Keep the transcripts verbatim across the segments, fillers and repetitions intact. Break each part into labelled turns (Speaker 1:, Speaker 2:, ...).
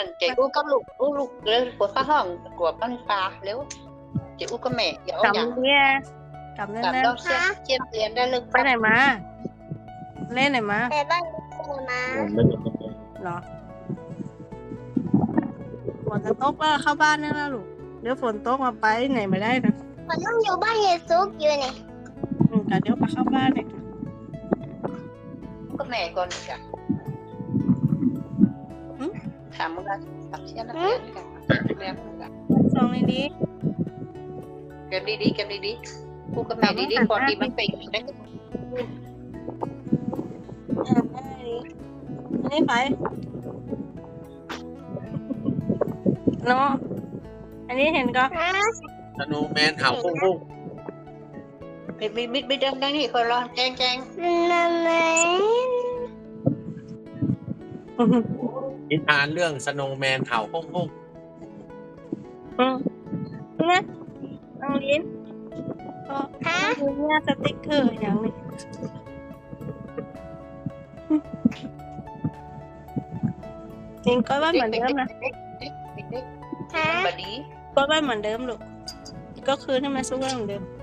Speaker 1: chị u cấp lục u lục lên của phát hỏng của con phá nếu chị u có mẹ dạo
Speaker 2: กลับ
Speaker 1: nhàng
Speaker 2: เนี่ยกลับแน่
Speaker 1: cảm
Speaker 2: น
Speaker 1: đâu xem chiên tiền ra lưng
Speaker 2: ๆไปไหนมา เล่นไหนมา
Speaker 3: ไปบ้านคุณมา
Speaker 2: เหรอฝนจะตกแล้วเข้าบ้านนี่แล้วลูกเดี๋ยวฝนตกมาไปไหนไม่ได้นะ
Speaker 3: ผมต้องอยู่บ้านเยซุกอยู่เนี่ย
Speaker 2: อืมแต่เดี๋ยวมาเข้าบ้านเนี่ย
Speaker 1: có mẹ còn cả thảm một lần thảm chiên nó tiền cả em cả
Speaker 2: ซองในนี้
Speaker 1: kem đi đi kem đi đi u có mẹ đi đi còn đi bánh bình đấy
Speaker 2: อันนี้ไปเนาะอันนี้เห็นก็
Speaker 4: สโนว์แมนเห่าพุ่งพุ่ง
Speaker 1: bị bị bị bị đâm đang thì khỏi lo trang trang
Speaker 3: นั่นไหม
Speaker 4: นิทานเรื่องสโนว์แมนเห่าพุ่งพุ่ง
Speaker 2: อืมนะเอาลิ้นก็
Speaker 3: ฮะ
Speaker 2: ดูเนี่ยสติ๊กเกอร์อย่างนี้จริงก็ว่าเหมือนเดิมนะ
Speaker 3: ฮะ
Speaker 1: bà đi
Speaker 2: ก็ว่าเหมือนเดิมลูกก็คือให้มันสู้เหมือนเดิม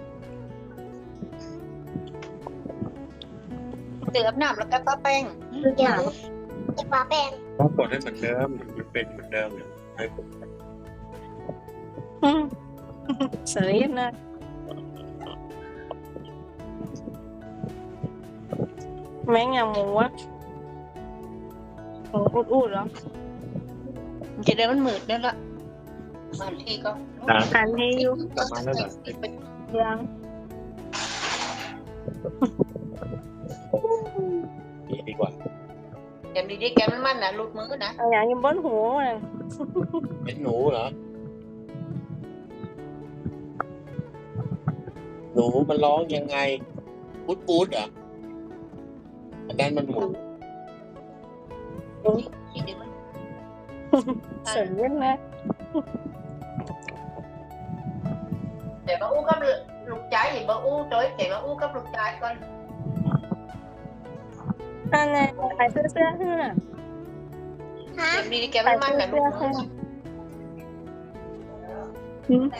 Speaker 1: từ ấm nằm là các có pen
Speaker 3: เดี๋ยวจะปาแป้ง
Speaker 4: ก็กดให้เหมือนเดิมมันเป็นเหมือนเดิมเนี่ยให้กด
Speaker 2: อืมสลีปนะแม่งอย่างหมูอะหมูอุดๆเหรอ
Speaker 1: chị đây vẫn mượt nữa đó bàn thi con
Speaker 4: ตาม
Speaker 2: หันให้อยู่
Speaker 4: กลับมาแล้วเหรอ
Speaker 2: ยัง
Speaker 4: นี่ดีกว่า
Speaker 1: em đi đi kem nó là lụt mỡ nè
Speaker 2: เอาอย่างอยิงบนหูเลย
Speaker 4: เป็นหนูเหรอหนูมันร้องยังไงปูดปูดเหรออันนั้นมันหมู
Speaker 1: chị đừng
Speaker 2: สลีปนะ
Speaker 1: để bà u cấp lục trái thì bà u tới để bà u cấp lục trái con
Speaker 2: นั่นไงขายเสื้อเสื้อขึ้นอ่ะ
Speaker 3: ฮะ
Speaker 1: em đi đi kem nó là lụt mỡ
Speaker 2: อืม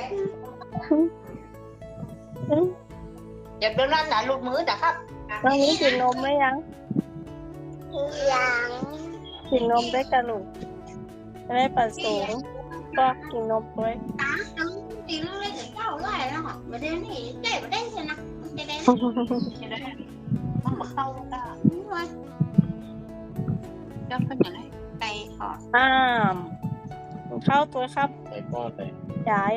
Speaker 2: อืม
Speaker 1: em đơn ăn là lụt mỡ đã khắp
Speaker 2: ตอนนี้กินนมไหมยัง
Speaker 3: ยัง
Speaker 2: กินนมได้กระลูกไม่ได้ปัสสาวะก็กินนมไว้
Speaker 3: tiếng nó lên cái câu lại nó hỏi mà đến thì để vào đây xem nào để đây
Speaker 1: nó mà khâu ta
Speaker 3: đúng rồi
Speaker 1: cho cái nhà này tay họ
Speaker 2: อ้ามเข้าตัวครับ
Speaker 4: ใส่ป้อนเลย
Speaker 2: ยาย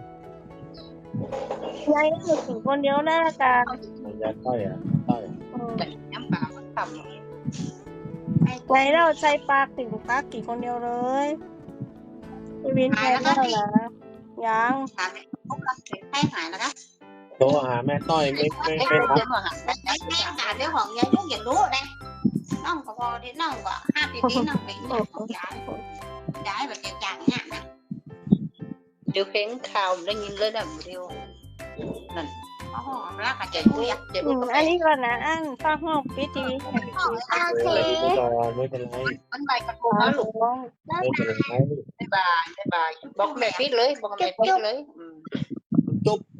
Speaker 2: ยายอยู่ถึงคนเดียวหน้ากัน
Speaker 4: มันยัดต้อยอ่ะต้อย
Speaker 1: để nhắm vào nó cầm
Speaker 2: ยายเราใช้ปากถึงปากกี่คนเดียวเลยพี่วินแทนแล้วนะยัง
Speaker 1: thả mẹ không lắm thì hay phải là đó
Speaker 4: โทรหาแม่ต้อยไม่ไม่
Speaker 1: cái
Speaker 4: ไม่รับ
Speaker 1: cái mà hả
Speaker 3: đấy đấy cả cái hoàng nhà nước dịch lúa ở đây nó không có bò đến nó không có hai tí tí nó bị nó không trái trái và cái chẳng nhạn nè
Speaker 1: điều khiến khao nó nhìn lên là một điều này
Speaker 3: nó ra cả chạy
Speaker 1: chạy
Speaker 3: vui
Speaker 1: vui
Speaker 3: à
Speaker 1: chạy
Speaker 2: อื
Speaker 1: vui
Speaker 2: ม
Speaker 1: có
Speaker 2: อัน
Speaker 1: mẹ
Speaker 2: นี้ก่อนนะอันฟังห้องพิธี
Speaker 3: ok
Speaker 4: เออดูก่อนไม่เป็นไร
Speaker 1: bánh bay cắt
Speaker 2: อ๋อ
Speaker 1: cô nó
Speaker 2: หนู
Speaker 1: lục
Speaker 2: ร้อง
Speaker 4: ไม่เป็นไร
Speaker 1: cái bà cái bà bóc mẹ phít lưới bóc mẹ phít lưới ừ.
Speaker 4: จุ๊บ